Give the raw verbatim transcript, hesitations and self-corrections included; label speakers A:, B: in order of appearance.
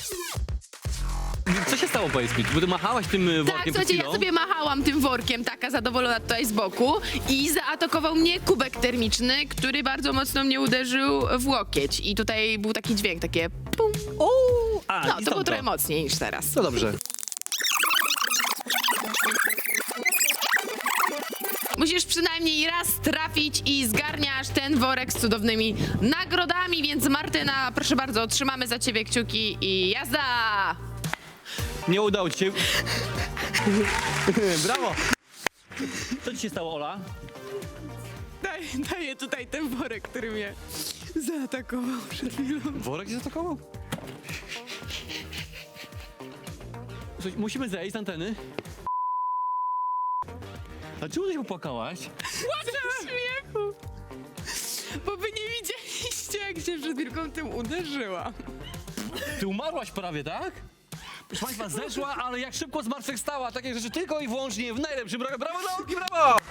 A: Co się stało, powiedz mi? Bo ty machałaś tym y, workiem
B: Tak,
A: przed
B: słuchajcie, ja
A: chwilą?
B: sobie machałam tym workiem, taka zadowolona tutaj z boku i zaatakował mnie kubek termiczny, który bardzo mocno mnie uderzył w łokieć. I tutaj był taki dźwięk, takie pum.
A: O, a,
B: No,
A: i
B: to było
A: stąd
B: trochę mocniej niż teraz.
A: No dobrze.
B: Musisz przynajmniej raz trafić i zgarniasz ten worek z cudownymi nagrodami, więc Martyna, proszę bardzo, trzymamy za ciebie kciuki i jazda!
A: Nie udało ci się. Brawo! Co ci się stało, Ola?
B: Daj, daję tutaj ten worek, który mnie zaatakował przed chwilą.
A: Worek się zaatakował? Słuchaj, musimy zejść z anteny. A czemu ty się popłakałaś?
B: Płaczę z śmiechu! Bo wy nie widzieliście, jak się przed chwilką tym uderzyłam.
A: Ty umarłaś prawie, tak? Proszę państwa, zeszła, ale jak szybko zmartwychwstała. Takie rzeczy tylko i wyłącznie w najlepszym... Brawo, brawo, nauki, brawo!